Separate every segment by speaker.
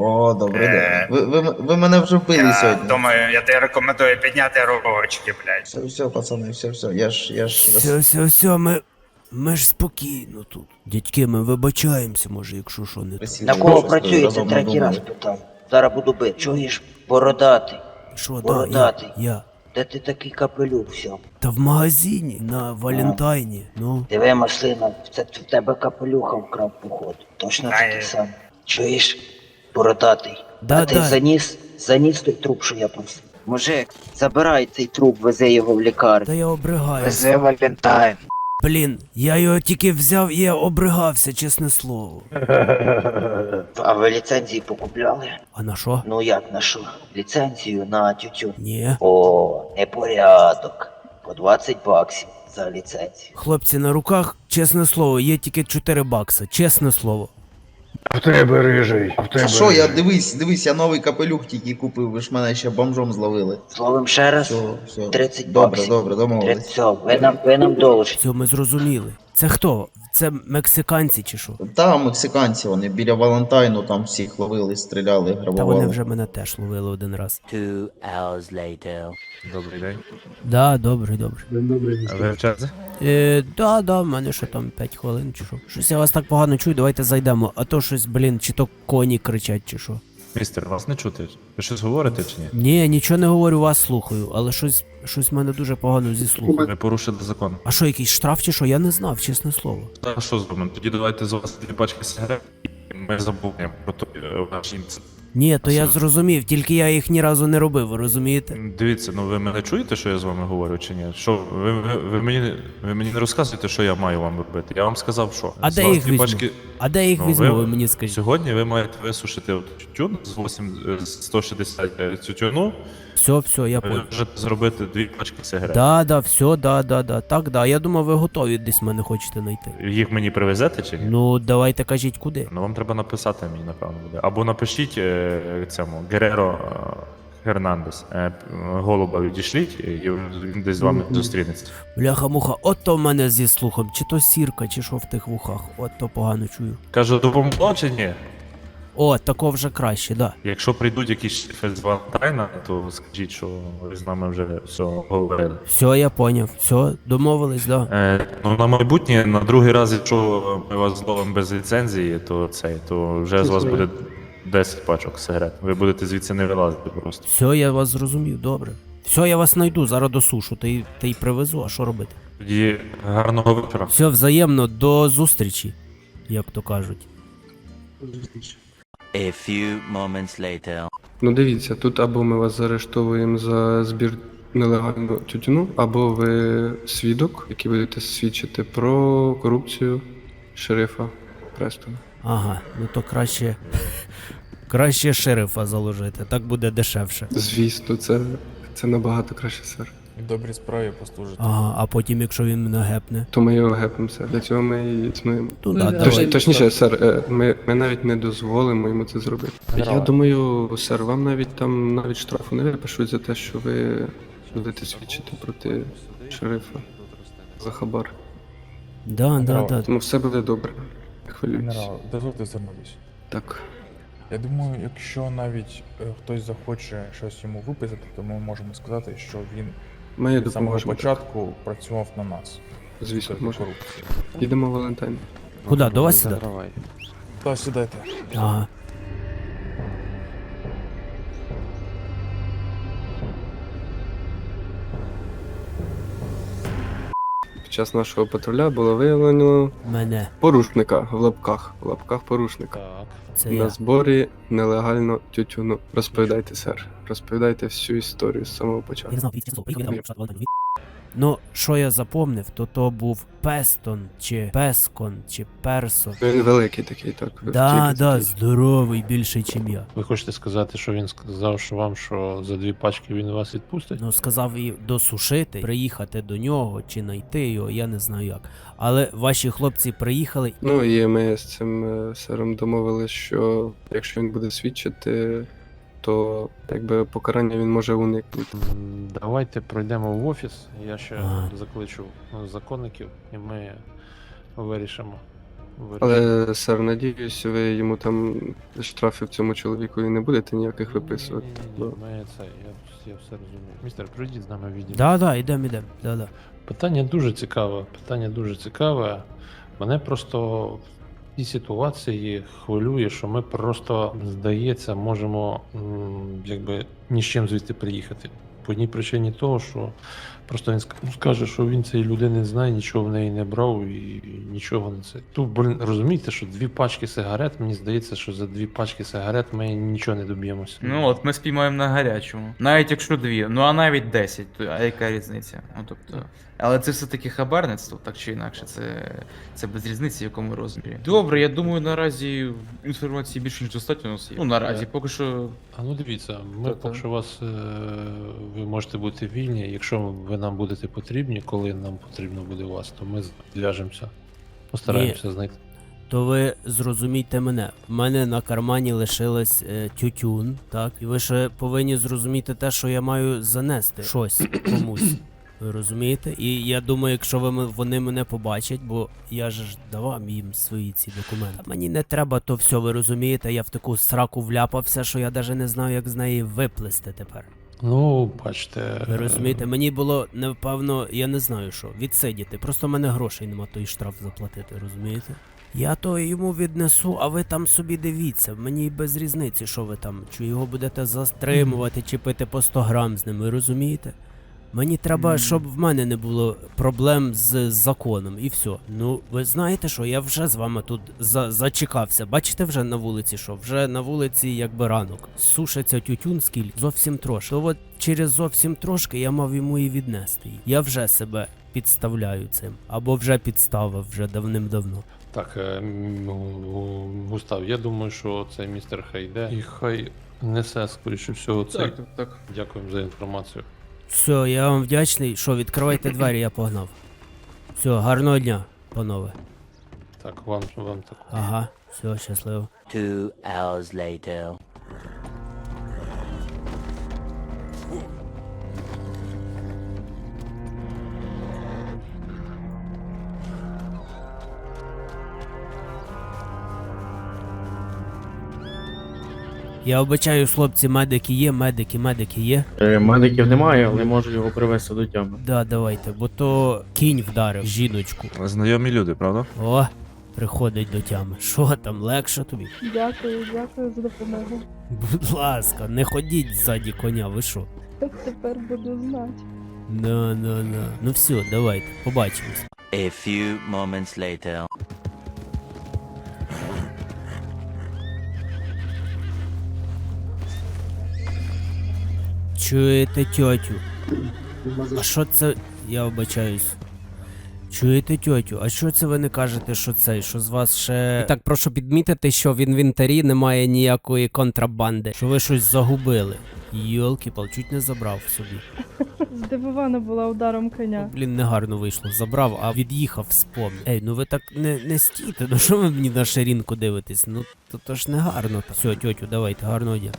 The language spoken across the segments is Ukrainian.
Speaker 1: О, добрий день. Ви мене вже вбили
Speaker 2: Я
Speaker 1: сьогодні.
Speaker 2: думаю, я тобі рекомендую підняти ручки, блядь.
Speaker 1: Все, пацани, все. Я ж
Speaker 3: Все, ми ж спокійно тут. Дядьки, ми вибачаємося, може, якщо що не так.
Speaker 4: На кого працюєте, третій раз питав. Зараз буду бити. Чуєш, бородатий.
Speaker 3: Що, да,
Speaker 4: Бородатий.
Speaker 3: я.
Speaker 4: Де ти такий капелюх взяв?
Speaker 3: Та в магазині, на Валентайні, ну.
Speaker 4: Диви, маслина, це в тебе капелюха вкрав, походу. Точно такий сам. Чуєш, бородатий.
Speaker 3: Да,
Speaker 4: А ти
Speaker 3: да.
Speaker 4: заніс той труп, що я просив. Мужик, забирай цей труп, вези його в лікарню.
Speaker 3: Та я обригаюся.
Speaker 4: Вези Валентайн.
Speaker 3: Блін, я його тільки взяв і я обригався, чесне слово.
Speaker 4: А ви ліцензії покупляли?
Speaker 3: А на що?
Speaker 4: Ну як на що? Ліцензію на тютюн.
Speaker 3: Ні.
Speaker 4: О, непорядок. По 20 баксів за ліцензію.
Speaker 3: Хлопці, на руках, чесне слово, є тільки 4 бакса, чесне слово.
Speaker 5: А в тебе рижий,
Speaker 1: А що, я дивись, я новий капелюх тільки купив, ви ж мене ще бомжом зловили.
Speaker 4: Словом ще раз,
Speaker 1: Все.
Speaker 4: 30
Speaker 1: Добре,
Speaker 4: баксів.
Speaker 1: домовились.
Speaker 4: Все, ви нам должні.
Speaker 3: Все, ми зрозуміли. Це хто? Це мексиканці чи що?
Speaker 1: Та, мексиканці, вони біля Валентайну там всіх ловили, стріляли,
Speaker 3: Та
Speaker 1: грабували.
Speaker 3: вони вже мене теж ловили один раз.
Speaker 6: 2 hours later.
Speaker 5: Добрий день.
Speaker 3: Да, добре.
Speaker 5: А ви в черзі?
Speaker 3: Да, в мене ще там 5 хвилин чи що. Щось я вас так погано чую, давайте зайдемо. А то щось, блін, чи то коні кричать, чи що.
Speaker 5: Містер, вас не чути. Ви щось говорите чи ні?
Speaker 3: Ні, нічого не говорю, вас слухаю, але щось в мене дуже погано зі слухом.
Speaker 5: Ви порушили закон.
Speaker 3: А що, якийсь штраф чи що? Я не знав, чесне слово.
Speaker 5: Та що зробимо? Тоді давайте з вас 2 пачки сигарет, і ми забудемо про той ваш інцидент.
Speaker 3: Ні, то я
Speaker 5: Все.
Speaker 3: зрозумів, тільки я їх ні разу не робив, ви розумієте?
Speaker 5: Дивіться, ну ви мене чуєте, що я з вами говорю, чи ні? Що, ви мені не розказуєте, що я маю вам робити? Я вам сказав, що.
Speaker 3: А
Speaker 5: З
Speaker 3: де
Speaker 5: вас
Speaker 3: їх
Speaker 5: 2
Speaker 3: візьму?
Speaker 5: пачки...
Speaker 3: А де їх
Speaker 5: Ну,
Speaker 3: візьму, ви мені скажіть?
Speaker 5: Сьогодні ви маєте висушити тютюн з 160 тютюну,
Speaker 3: Все, я
Speaker 5: ви
Speaker 3: понял.
Speaker 5: можете зробити 2 пачки сигарет.
Speaker 3: Да, все, да. Так, да. Я думав, ви готові десь мене хочете знайти.
Speaker 5: Їх мені привезете чи ні?
Speaker 3: Ну, давайте кажіть, куди.
Speaker 5: Ну вам треба написати мені, напевно, буде. Або напишіть цьому Гереро Гернандес. Голуба відійшліть, і він десь з вами зустрінеться.
Speaker 3: Бляха-муха, от то в мене зі слухом, чи то сірка, чи що в тих вухах, от то погано чую.
Speaker 5: Кажу, допомогло чи ні?
Speaker 3: О, тако вже краще, да.
Speaker 5: Якщо прийдуть якісь шефи з Валентайна, то скажіть, що ви з нами вже все говорили.
Speaker 3: Все, я поняв, все, домовились, да.
Speaker 5: Ну на майбутнє, на другий раз, якщо ми вас зловимо без ліцензії, то вже з вас буде 10 пачок сигарет. Ви будете звідси не вилазити просто.
Speaker 3: Все, я вас зрозумів, добре. Все, я вас знайду, зараз досушу, та й привезу, а що робити?
Speaker 5: Тоді гарного вечора.
Speaker 3: Все, взаємно, до зустрічі, як то кажуть.
Speaker 6: A few moments later.
Speaker 7: Ну дивіться, тут або ми вас заарештовуємо за збір нелегального тютюну, або ви свідок, який будете свідчити про корупцію шерифа Престона.
Speaker 3: Ага, ну то краще шерифа заложити, так буде дешевше.
Speaker 7: Звісно, це набагато краще, сер.
Speaker 8: Добрій справі послужити.
Speaker 3: Ага, а потім, якщо він мене гепне.
Speaker 7: То ми його гепнемо, сер. Для цього ми і існуємо.
Speaker 3: Ну да, давай.
Speaker 7: Точніше, сер, ми навіть не дозволимо йому це зробити.
Speaker 8: Генерал.
Speaker 7: Я думаю, сер, вам навіть штрафу не випишуть за те, що ви будете свідчити проти шерифа за хабар.
Speaker 3: Да.
Speaker 7: Тому все буде добре. Не хвилюйтесь.
Speaker 8: Генерал, дозвольте звернутися.
Speaker 7: Так.
Speaker 8: Я думаю, якщо навіть хтось захоче щось йому виписати, то ми можемо сказати, що він
Speaker 7: Ми
Speaker 8: з самого
Speaker 7: допоможемо.
Speaker 8: початку працював на нас.
Speaker 7: Звісно,
Speaker 8: Проти
Speaker 7: можна.
Speaker 8: корупції.
Speaker 7: Їдемо в Валентайн.
Speaker 3: Куди, до вас сюди?
Speaker 8: Та сідайте.
Speaker 3: Ага.
Speaker 7: Під час нашого патруля було виявлено
Speaker 3: Мене.
Speaker 7: порушника в лапках порушника.
Speaker 3: Це
Speaker 7: На
Speaker 3: я.
Speaker 7: зборі нелегально тютюну. Розповідайте, сер. Розповідайте всю історію з самого початку.
Speaker 3: Я не знав, ну, що я запомнив, то був Пестон, чи Пескон, чи Персон.
Speaker 7: Він великий такий, так.
Speaker 3: Да,
Speaker 7: такий.
Speaker 3: здоровий, більший, чим я.
Speaker 9: Ви хочете сказати, що він сказав, що вам, що за 2 пачки він вас відпустить?
Speaker 3: Ну, сказав і досушити, приїхати до нього, чи знайти його, я не знаю як. Але ваші хлопці приїхали.
Speaker 7: Ну і ми з цим сером домовились, що якщо він буде свідчити, то якби покарання він може уникнути.
Speaker 9: Давайте пройдемо в офіс, я ще
Speaker 3: Ага.
Speaker 9: закличу законників і ми вирішимо
Speaker 7: Але, сер, надіюсь, ви йому там штрафів цьому чоловіку і не будете ніяких виписувати.
Speaker 9: Ні, ми це, я все розумію. Містер, пройдіть з нами в відділ.
Speaker 3: Да, ідем, да.
Speaker 9: Питання дуже цікаве. Мене просто в цій ситуації хвилює, що ми просто, здається, можемо якби ні з чим звідти приїхати. По одній причині того, що просто він скаже, що він цієї людини не знає, нічого в неї не брав і нічого не це. Тут, розумієте, що 2 пачки сигарет, мені здається, що за 2 пачки сигарет ми нічого не доб'ємося.
Speaker 10: Ну от, ми спіймаємо на гарячому. Навіть якщо 2, ну а навіть 10, то а яка різниця? Ну тобто. Але це все-таки хабарництво, так чи інакше, це без різниці, в якому розмірі. Добре, я думаю, наразі інформації більше ніж достатньо у нас є. Ну наразі, поки що.
Speaker 9: А ну дивіться, ми
Speaker 10: Та-та.
Speaker 9: поки що вас, ви можете бути вільні, якщо ви нам будете потрібні, коли нам потрібно буде вас, то ми зв'яжемося, постараємося знайти.
Speaker 3: То ви зрозумійте мене. В мене на кармані лишилось тютюн, так? І ви ще повинні зрозуміти те, що я маю занести щось комусь. Ви розумієте? І я думаю, якщо вони мене побачать, бо я ж давав їм свої ці документи. Мені не треба то все, ви розумієте, я в таку сраку вляпався, що я навіть не знаю, як з неї виплисти тепер.
Speaker 9: Ну, бачите.
Speaker 3: Ви розумієте, мені було, напевно, я не знаю що, відсидіти. Просто в мене грошей нема той штраф заплатити, розумієте? Я то йому віднесу, а ви там собі дивіться. Мені без різниці, що ви там, чи його будете застримувати, чи пити по 100 грам з ним, ви розумієте? Мені треба, щоб в мене не було проблем з законом, і все. Ну, ви знаєте що, я вже з вами тут зачекався. Бачите вже на вулиці що? Вже на вулиці якби ранок. Сушиться тютюн скільки? Зовсім трошки. То от через зовсім трошки я мав йому і віднести. Я вже себе підставляю цим. Або вже підставив, вже давним-давно.
Speaker 9: Так, Густав, я думаю, що цей містер хай йде. І хай несе, скоріше всього, цей.
Speaker 10: Так.
Speaker 9: Дякуємо за інформацію.
Speaker 3: Все, я вам вдячний. Що, відкривайте двері, я погнав. Все, гарного дня, панове.
Speaker 9: Так, вам так.
Speaker 3: Ага, все, щасливо.
Speaker 6: 2 hours later.
Speaker 3: Я обичаю, хлопці, медики є, медики є.
Speaker 11: Медиків немає, але можу його привезти до тями.
Speaker 3: Да, давайте, бо то кінь вдарив жіночку.
Speaker 5: Знайомі люди, правда?
Speaker 3: О, приходить до тями. Що там, легше тобі?
Speaker 12: Дякую за допомогу.
Speaker 3: Будь ласка, не ходіть ззаді коня, ви що?
Speaker 12: Тепер буду знати.
Speaker 3: Ну все, давайте, побачимось.
Speaker 6: A few moments later.
Speaker 3: Чуєте тьотю? А що це? Я вибачаюсь. Чуєте тьотю? А що це ви не кажете, що цей, що з вас ще. І так, прошу підмітити, що в інвентарі немає ніякої контрабанди. Що ви щось загубили. Йолки-пал, чуть не забрав собі.
Speaker 12: Здивована була ударом коня.
Speaker 3: Блін, негарно вийшло. Забрав, а від'їхав, спомнив. Ей, ну ви так не стійте, ну що ви мені на ширинку дивитесь? Ну то ж не гарно. Все, тьотю, давайте, гарного дня.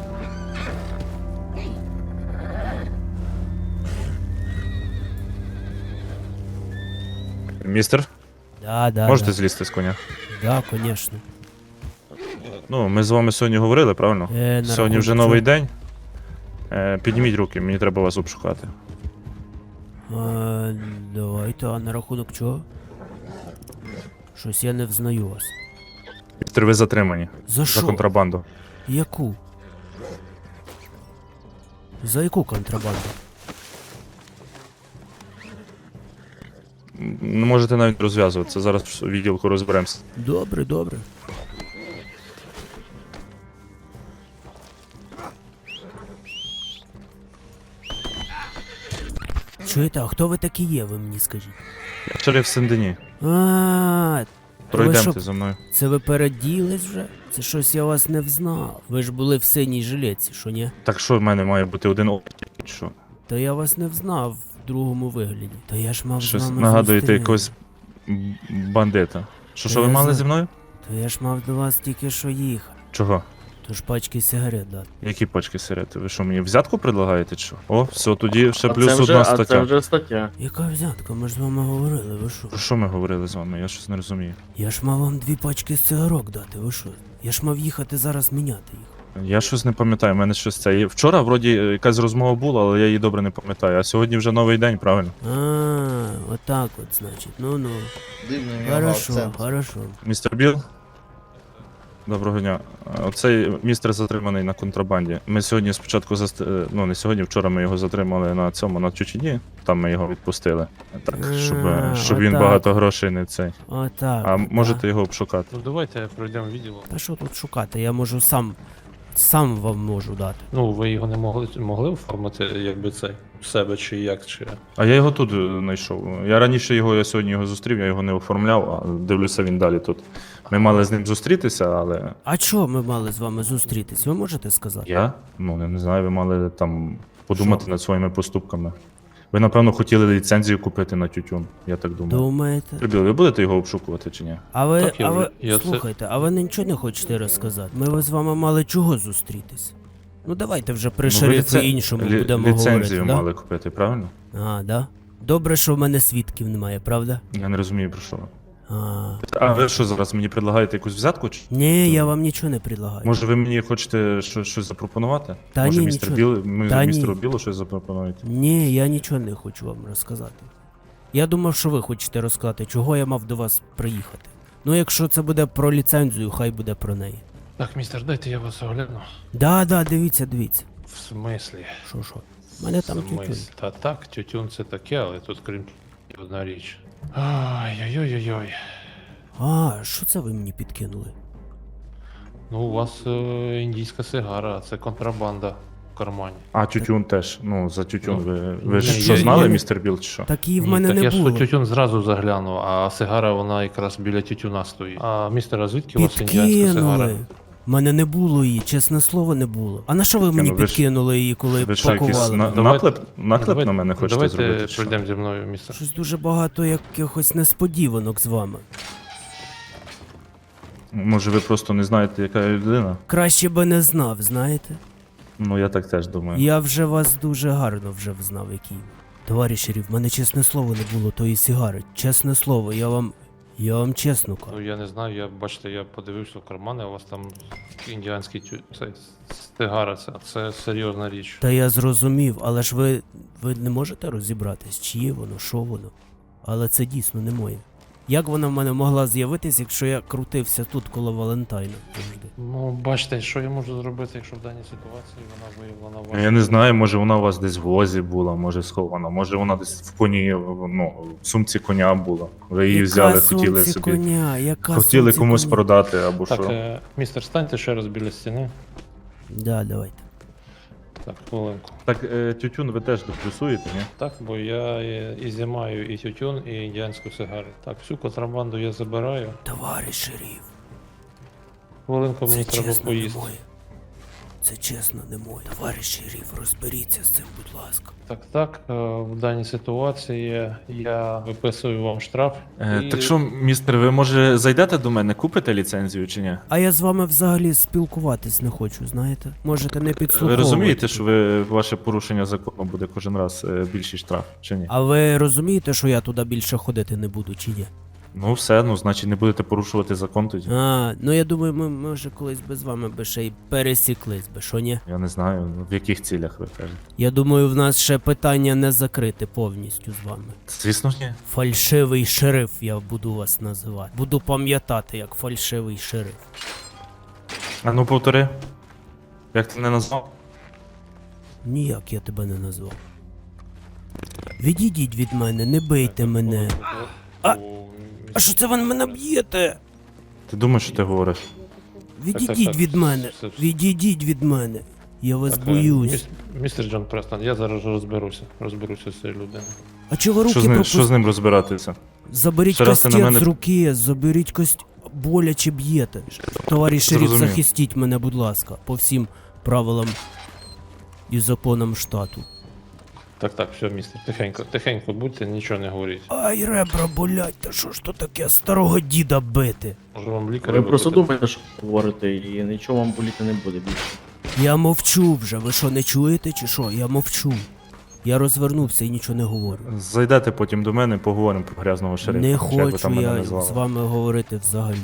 Speaker 5: Містер,
Speaker 3: Да.
Speaker 5: можете злізти з коня?
Speaker 3: Да, конечно.
Speaker 5: Ну, ми з вами сьогодні говорили, правильно?
Speaker 3: На
Speaker 5: Сьогодні
Speaker 3: рахунок
Speaker 5: вже новий день. Підніміть руки, мені треба вас обшукати.
Speaker 3: Давайте, а на рахунок чого? Щось я не взнаю вас.
Speaker 5: Містер, ви затримані.
Speaker 3: За що?
Speaker 5: За контрабанду.
Speaker 3: Яку? За яку контрабанду?
Speaker 5: Не можете навіть розв'язуватися, зараз в відділку розберемося.
Speaker 3: Добре. Чуєте, а хто ви такі є, ви мені скажіть?
Speaker 5: Шериф Сен-Дені,
Speaker 3: А,
Speaker 5: пройдемте
Speaker 3: що?
Speaker 5: за мною.
Speaker 3: Це ви переділись вже? Це щось я вас не взнав. Ви ж були в синій жилетці, що ні?
Speaker 5: Так що в мене має бути один опит? Що?
Speaker 3: Та я вас не взнав в другому вигляді. Та я ж мав з
Speaker 5: Щось
Speaker 3: вами
Speaker 5: нагадуєте
Speaker 3: зустріти.
Speaker 5: якогось бандита. Що ви
Speaker 3: Я
Speaker 5: мали
Speaker 3: знаю.
Speaker 5: зі мною?
Speaker 3: Та я ж мав до вас тільки що їхати.
Speaker 5: Чого?
Speaker 3: Тож пачки сигарет дати.
Speaker 5: Які пачки сигарети? Ви що, мені взятку предлагаєте чи що? О, все, тоді ще
Speaker 11: А
Speaker 5: плюс
Speaker 11: це вже,
Speaker 5: одна
Speaker 11: а
Speaker 5: стаття.
Speaker 11: це вже стаття.
Speaker 3: Яка взятка? Ми ж з вами говорили, ви що?
Speaker 5: Про що ми говорили з вами? Я щось не розумію.
Speaker 3: Я ж мав вам 2 пачки цигарок дати, ви що? Я ж мав їхати зараз міняти їх.
Speaker 5: Я щось не пам'ятаю, в мене щось це. Вчора вроді якась розмова була, але я її добре не пам'ятаю. А сьогодні вже новий день, правильно?
Speaker 3: А, отак от, значить. Ну-ну.
Speaker 1: Дивний в нього
Speaker 3: Хорошо,
Speaker 1: акцент.
Speaker 3: хорошо.
Speaker 5: Містер Біл? Доброго дня. Оцей містер затриманий на контрабанді. Ми сьогодні спочатку ну не сьогодні, вчора ми його затримали на цьому, на Чучині. Там ми його відпустили. Так, щоб він
Speaker 3: отак.
Speaker 5: багато грошей не цей.
Speaker 3: Отак.
Speaker 5: А
Speaker 3: от,
Speaker 5: можете
Speaker 3: да.
Speaker 5: його обшукати.
Speaker 9: Ну давайте пройдемо відділ.
Speaker 3: Та що тут шукати? Я можу сам вам можу дати.
Speaker 9: Ну, ви його не могли оформити, якби це в себе чи як, чи.
Speaker 5: А я його тут знайшов. Я раніше я сьогодні його зустрів, я його не оформляв, а дивлюся, він далі тут. Ми мали з ним зустрітися, але.
Speaker 3: А чого ми мали з вами зустрітись? Ви можете сказати?
Speaker 5: Я? Ну, не знаю, ви мали там подумати над своїми поступками. Ви, напевно, хотіли ліцензію купити на тютюн, я так думаю.
Speaker 3: Думаєте?
Speaker 5: Прибіл, ви будете його обшукувати чи ні?
Speaker 3: А ви,
Speaker 9: Так, я це-
Speaker 3: слухайте, а ви нічого не хочете розказати? Ми з вами мали чого зустрітись? Ну давайте вже при шерифі іншому будемо
Speaker 5: ліцензію
Speaker 3: говорити, да?
Speaker 5: мали купити, правильно?
Speaker 3: А, да? Добре, що в мене свідків немає, правда?
Speaker 5: Я не розумію, про що ви.
Speaker 3: А.
Speaker 5: А ви що зараз мені предлагаєте якусь взятку? Чи?
Speaker 3: Ні, я вам нічого не предлагаю.
Speaker 5: Може ви мені хочете щось запропонувати?
Speaker 3: Та
Speaker 5: Може
Speaker 3: ні,
Speaker 5: містер
Speaker 3: нічого.
Speaker 5: Біл,
Speaker 3: Та ні.
Speaker 5: містеру Білу щось запропонуєте?
Speaker 3: Ні, я нічого не хочу вам розказати. Я думав, що ви хочете розказати, чого я мав до вас приїхати. Ну, якщо це буде про ліцензію, хай буде про неї.
Speaker 9: Так, містер, дайте я вас огляну.
Speaker 3: Да, дивіться.
Speaker 9: В смислі?
Speaker 3: Що? У мене там
Speaker 9: В
Speaker 3: тютюн.
Speaker 9: смислі? Та так, тютюн це таке, але тут крім тютюну одна річ. Ай-ой-ой-ой.
Speaker 3: А, що це ви мені підкинули?
Speaker 9: Ну, у вас індійська сигара, це контрабанда в кармані.
Speaker 5: А тютюн теж. Ну, за тютюн ви
Speaker 9: ні,
Speaker 5: ж
Speaker 9: я-
Speaker 5: що знали,
Speaker 3: я-
Speaker 5: містер Біл, чи що?
Speaker 3: Так її в
Speaker 9: Ні,
Speaker 3: мене
Speaker 9: так
Speaker 3: не
Speaker 9: я ж
Speaker 3: було.
Speaker 9: тютюн зразу заглянув, а сигара вона якраз біля тютюна стоїть. А містер, а звідки у вас індіанська сигара?
Speaker 3: Підкинули. В мене не було її, чесне слово, не було. А на що ви мені
Speaker 5: ну ви ж-
Speaker 3: підкинули її, коли
Speaker 5: Ви що, якийсь
Speaker 3: пакували?
Speaker 9: Давайте-
Speaker 5: наклеп на мене хочете
Speaker 9: Давайте
Speaker 5: зробити? чи що?
Speaker 9: пройдемо зі мною, містер.
Speaker 3: Щось дуже багато якихось несподіванок з вами.
Speaker 5: Може ви просто не знаєте, яка я людина?
Speaker 3: Краще би не знав, знаєте?
Speaker 5: Ну я так теж думаю.
Speaker 3: Я вже вас дуже гарно вже взнав, який. Товариш шериф, в мене чесне слово не було тої сигари. Чесне слово, я вам чесно
Speaker 9: Ну
Speaker 3: кажу.
Speaker 9: я не знаю, бачите, я подивився в кармани, у вас там індіанський цей сигара, це серйозна річ.
Speaker 3: Та я зрозумів, але ж ви не можете розібратись, чиє воно, що воно. Але це дійсно не моє. Як вона в мене могла з'явитись, якщо я крутився тут коло Валентайна завжди?
Speaker 9: Ну, бачите, що я можу зробити, якщо в даній ситуації вона виявлена ваша.
Speaker 5: Я не знаю, може вона у вас десь в возі була, може схована, може вона десь в коні, ну, в сумці коня була. Ви її взяли, хотіли
Speaker 3: сумці
Speaker 5: собі.
Speaker 3: коня, яка
Speaker 5: Хотіли
Speaker 3: сумці
Speaker 5: комусь
Speaker 3: коня?
Speaker 5: продати або
Speaker 9: Так,
Speaker 5: що.
Speaker 9: містер, станьте ще раз біля стіни.
Speaker 3: Да, давайте.
Speaker 9: Так, хвилинку.
Speaker 5: Так, тютюн ви теж доплюсуєте, ні?
Speaker 9: Так, бо я і знімаю і тютюн, і індіанську сигару. Так, всю контрабанду я забираю.
Speaker 3: Товариш шериф,
Speaker 9: Хвилинку мені
Speaker 3: це
Speaker 9: треба
Speaker 3: чесно не
Speaker 9: поїсти.
Speaker 3: моє. Це чесно не моє. Товариш шериф, розберіться з цим, будь ласка.
Speaker 9: Так, в даній ситуації я виписую вам штраф. і-
Speaker 5: Так що, містер, ви може зайдете до мене, купите ліцензію чи ні?
Speaker 3: А я з вами взагалі спілкуватись не хочу, знаєте? Можете не
Speaker 5: Ви
Speaker 3: підслуховувати.
Speaker 5: розумієте, що ваше порушення закону буде кожен раз більший штраф, чи ні?
Speaker 3: А ви розумієте, що я туди більше ходити не буду, чи ні?
Speaker 5: Ну все, ну значить не будете порушувати закон тоді.
Speaker 3: А, ну я думаю, ми може колись би з вами би ще й пересіклись би, що ні?
Speaker 5: Я не знаю, в яких цілях ви кажете.
Speaker 3: Я думаю, в нас ще питання не закрите повністю з вами.
Speaker 5: Звісно ж ні.
Speaker 3: Фальшивий шериф я буду вас називати. Буду пам'ятати як фальшивий шериф.
Speaker 5: А ну повтори. Як ти не назвав?
Speaker 3: Ніяк я тебе не назвав. Відійдіть від мене, не бийте мене. А- А що це ви мене б'єте?
Speaker 5: Ти думаєш, що ти говориш?
Speaker 3: Відійдіть
Speaker 9: так.
Speaker 3: від мене.
Speaker 9: Все.
Speaker 3: Відійдіть від мене. Я вас
Speaker 9: Так,
Speaker 3: боюсь.
Speaker 9: Містер Джон Престон, я зараз розберуся з цією людиною.
Speaker 3: А чого ви
Speaker 5: Що
Speaker 3: руки
Speaker 5: що з ним розбиратися?
Speaker 3: Заберіть
Speaker 5: Ще раз ти на
Speaker 3: кастет
Speaker 5: мене-
Speaker 3: з руки, заберіть боляче б'єте. Товариш шериф,
Speaker 5: Зрозумів.
Speaker 3: захистіть мене, будь ласка, по всім правилам і законам штату.
Speaker 9: Так, все, містер, тихенько будьте, нічого не говоріть.
Speaker 3: Ай, ребра болять, та що ж то таке старого діда бити?
Speaker 9: Може вам лікаря
Speaker 11: Ви просто
Speaker 9: викликати?
Speaker 11: думаєте, що говорите, і нічого вам боліти не буде більше.
Speaker 3: Я мовчу вже, ви що, не чуєте чи що? Я мовчу. Я розвернувся і нічого не говорю.
Speaker 5: Зайдете потім до мене, поговоримо про грязного шерифа.
Speaker 3: Не
Speaker 5: чи як ви
Speaker 3: хочу
Speaker 5: там мене
Speaker 3: я
Speaker 5: назвали.
Speaker 3: з вами говорити взагалі.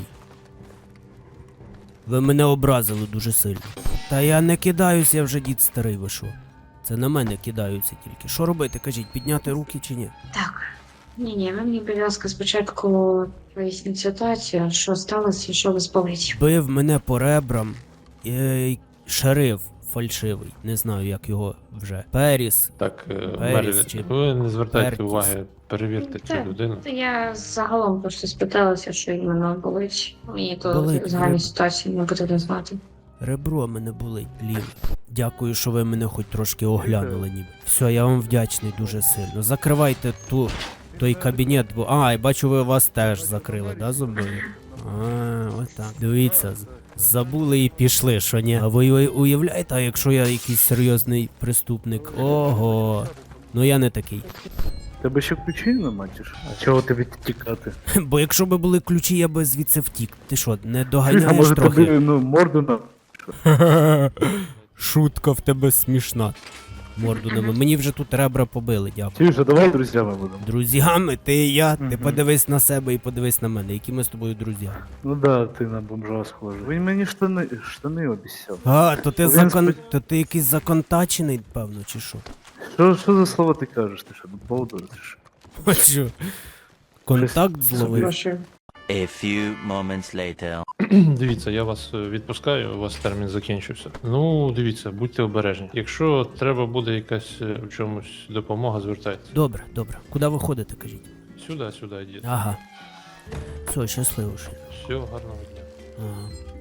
Speaker 3: Ви мене образили дуже сильно. Та я не кидаюсь, я вже дід старий, ви що? Це на мене кидаються тільки. Що робити, кажіть, підняти руки чи ні?
Speaker 13: Так. Ні, ви мені, будь ласка, спочатку поясніть ситуацію, що сталося і що вас болить.
Speaker 3: Бив мене по ребрам шериф фальшивий, не знаю як його вже. Періс.
Speaker 9: Так,
Speaker 3: Періс
Speaker 9: Мері,
Speaker 3: чи
Speaker 9: ви не звертайте
Speaker 3: Пертіс.
Speaker 9: уваги, перевірте цю людину.
Speaker 13: Та я загалом просто спиталася, що іменно болить. Мені то
Speaker 3: Болить,
Speaker 13: загальні
Speaker 3: ребра.
Speaker 13: ситуації не потрібно знати.
Speaker 3: Ребро мене болить, ліве. Дякую, що ви мене хоч трошки оглянули ніби. Все, я вам вдячний дуже сильно. Закривайте той кабінет, бо. А, і бачу, ви вас теж закрили, да, зубою? А, отак. Дивіться, забули і пішли, що ні. А ви уявляєте, а якщо я якийсь серйозний преступник? Ого. Ну я не такий.
Speaker 14: Тебе ще ключі нема, чи що? А чого тобі тікати?
Speaker 3: Бо якщо б були ключі, я би звідси втік. Ти що, не
Speaker 14: А
Speaker 3: доганяєш
Speaker 14: може
Speaker 3: трохи?
Speaker 14: тобі, морду на...
Speaker 3: Шутка в тебе смішна. Морду нема. Мені вже тут ребра побили, дякую.
Speaker 14: Чуєш, а давай друзями будемо.
Speaker 3: Друзями, ти і я, ти
Speaker 14: Мгм.
Speaker 3: подивись на себе і подивись на мене, які ми з тобою друзі.
Speaker 14: Ну да, ти на бомжа схожий. Він мені штани обіцяв.
Speaker 3: А, то ти
Speaker 14: Він
Speaker 3: то ти якийсь законтачений, певно, чи що?
Speaker 14: Що за слово ти кажеш? Ти що, болдур, чи що?
Speaker 3: А що? Контакт зловив?
Speaker 6: A few moments later.
Speaker 9: Дивіться, я вас відпускаю, у вас термін закінчився. Ну, дивіться, будьте обережні. Якщо треба буде якась в чомусь допомога, звертайтеся.
Speaker 3: Добре, добре. Куди ви ходите, кажіть?
Speaker 9: Сюди, йдіть.
Speaker 3: Ага. Все, щасливо.
Speaker 9: Все, гарного дня.
Speaker 3: Ага.